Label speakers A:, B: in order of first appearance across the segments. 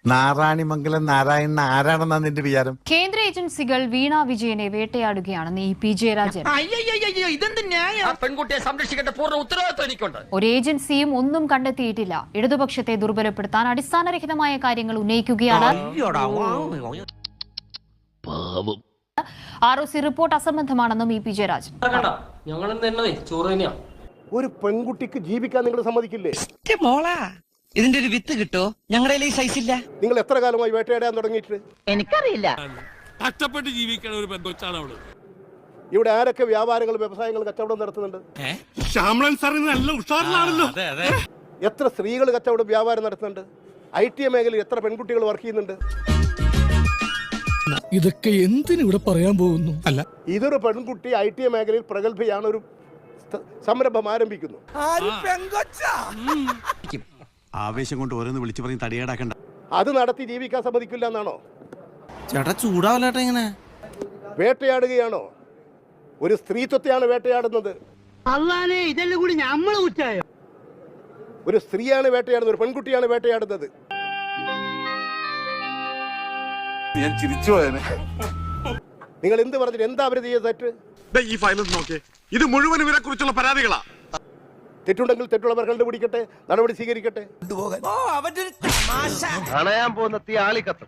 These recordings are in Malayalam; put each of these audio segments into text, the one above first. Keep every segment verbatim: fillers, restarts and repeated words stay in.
A: നാരായണിമംഗലം നാരായണൻ ആരാണെന്നാ നിന്റെ വിചാരം?
B: കേന്ദ്ര ഏജൻസികൾ വീണ വിജയനെ വേട്ടയാടുകയാണെന്ന് ഇ പി ജയരാജൻ.
C: പെൺകുട്ടിയെ സംരക്ഷിക്കേണ്ട പൂർണ്ണ ഉത്തരവാദിത്വം എനിക്കുണ്ട്.
B: ഒരു ഏജൻസിയും ഒന്നും കണ്ടെത്തിയിട്ടില്ല. ഇടതുപക്ഷത്തെ ദുർബലപ്പെടുത്താൻ അടിസ്ഥാനരഹിതമായ കാര്യങ്ങൾ ഉന്നയിക്കുകയാണ്. ആർ ഒ സി റിപ്പോർട്ട് അസംബന്ധമാണെന്നും ഇ പി ജയരാജൻ.
D: ഒരു പെൺകുട്ടിക്ക് ജീവിക്കാൻ നിങ്ങൾ സമ്മതിക്കില്ലേ?
E: ഇതിന്റെ ഒരു വിത്ത് കിട്ടോ? ഞങ്ങളുടെ ഈ സൈസ് ഇല്ല.
D: നിങ്ങൾ എത്ര കാലമായി വേട്ടയാടാൻ തുടങ്ങിയിട്ട്?
E: എനിക്കറിയില്ല.
F: കഷ്ടപ്പെട്ട് ജീവിക്കണ ഒരു പെൺകൊച്ചാണ് അവള്.
D: ഇവിടെ ആരൊക്കെ വ്യാപാരങ്ങൾ വ്യവസായങ്ങൾ കച്ചവടം നടത്തുന്നുണ്ട്?
F: ശ്യാമളൻ സാറിന് നല്ല ഉഷാറിലാണല്ലോ.
D: എത്ര സ്ത്രീകൾ കച്ചവടം വ്യാപാരം നടത്തുന്നുണ്ട്? ഐ ടി മേഖലയിൽ എത്ര പെൺകുട്ടികൾ വർക്ക് ചെയ്യുന്നുണ്ട്?
G: ഇതൊക്കെ എന്തിനിവിടെ പറയാൻ പോകുന്നു? അല്ല,
D: ഇതൊരു പെൺകുട്ടി ഐ ടി മേഖലയിൽ പ്രഗത്ഭയാണ്, ഒരു സംരംഭം ആരംഭിക്കുന്നു.
A: ആവേശം കൊണ്ട് ഓരോന്ന് വിളിച്ചു പറഞ്ഞ് തടിയേടാക്കണ്ട.
D: അത് നടത്തി ജീവിക്കാൻ സമ്മതിക്കില്ല എന്നാണോ?
G: ചേട്ടാ ചൂടാവല്ലേട്ടാ ഇങ്ങനെ.
D: വേട്ടയാടുകയാണോ? ഒരു സ്ത്രീത്വത്തെയാണ് വേട്ടയാടുന്നത്.
E: ഇതെല്ലാം കൂടി നമ്മള് കുറ്റായോ?
D: ഒരു സ്ത്രീയാണ് വേട്ടയാടുന്നത്, ഒരു പെൺകുട്ടിയാണ് വേട്ടയാടുന്നത്.
A: ഞാൻ ചിരിച്ചു പോയനെ.
D: നിങ്ങൾ എന്ത് പറഞ്ഞിട്ട് എന്താ അവര് ചെയ്ത തെറ്റ്?
F: ഈ ഫയൽ നോക്കേ, ഇത് മുഴുവൻ ഇവരെ കുറിച്ചുള്ള പരാതികളാ.
D: തെറ്റുണ്ടെങ്കിൽ തെറ്റുള്ളവർ കണ്ടുപിടിക്കട്ടെ, നടപടി സ്വീകരിക്കട്ടെ.
C: കാണാൻ പോകുന്ന തീ ആളിക്കത്തും.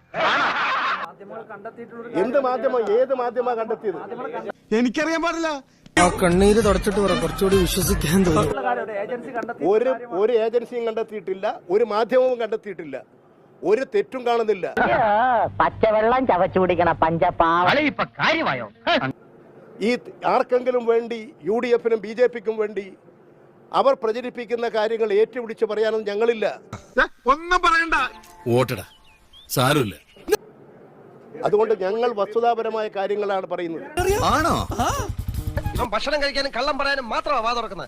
D: എന്ത് മാധ്യമം, ഏത് മാധ്യമ കണ്ടെത്തിയത്?
A: എനിക്കറിയാൻ പാടില്ല.
G: കണ്ണീര് തുടച്ചിട്ട് പറ, കുറച്ചുകൂടി വിശ്വസിക്കാൻ തോന്നുന്നു.
D: ഒരു ഒരു ഏജൻസിയും കണ്ടെത്തിയിട്ടില്ല, ഒരു മാധ്യമവും കണ്ടെത്തിയിട്ടില്ല, ഒരു തെറ്റും കാണുന്നില്ല.
E: പച്ചവെള്ളം ചവച്ചു കുടിക്കണ പഞ്ചപാവ ഇപ്പൊ കാര്യമായോ?
D: ഈ ആർക്കെങ്കിലും വേണ്ടി, യു ഡി എഫിനും ബി ജെ പിക്കും വേണ്ടി അവർ പ്രചരിപ്പിക്കുന്ന കാര്യങ്ങൾ ഏറ്റുപിടിച്ച് പറയാനൊന്നും ഞങ്ങളില്ല.
F: ഒന്നും പറയണ്ട.
G: ഓട്ടടാ, സാരമില്ല.
D: അതുകൊണ്ട് ഞങ്ങൾ വസ്തുതാപരമായ കാര്യങ്ങളാണ് പറയുന്നത്.
G: ആണോ?
C: ഭക്ഷണം കഴിക്കാനും കള്ളം പറയാനും മാത്രമാണ് വാ തുറക്കുന്നത്.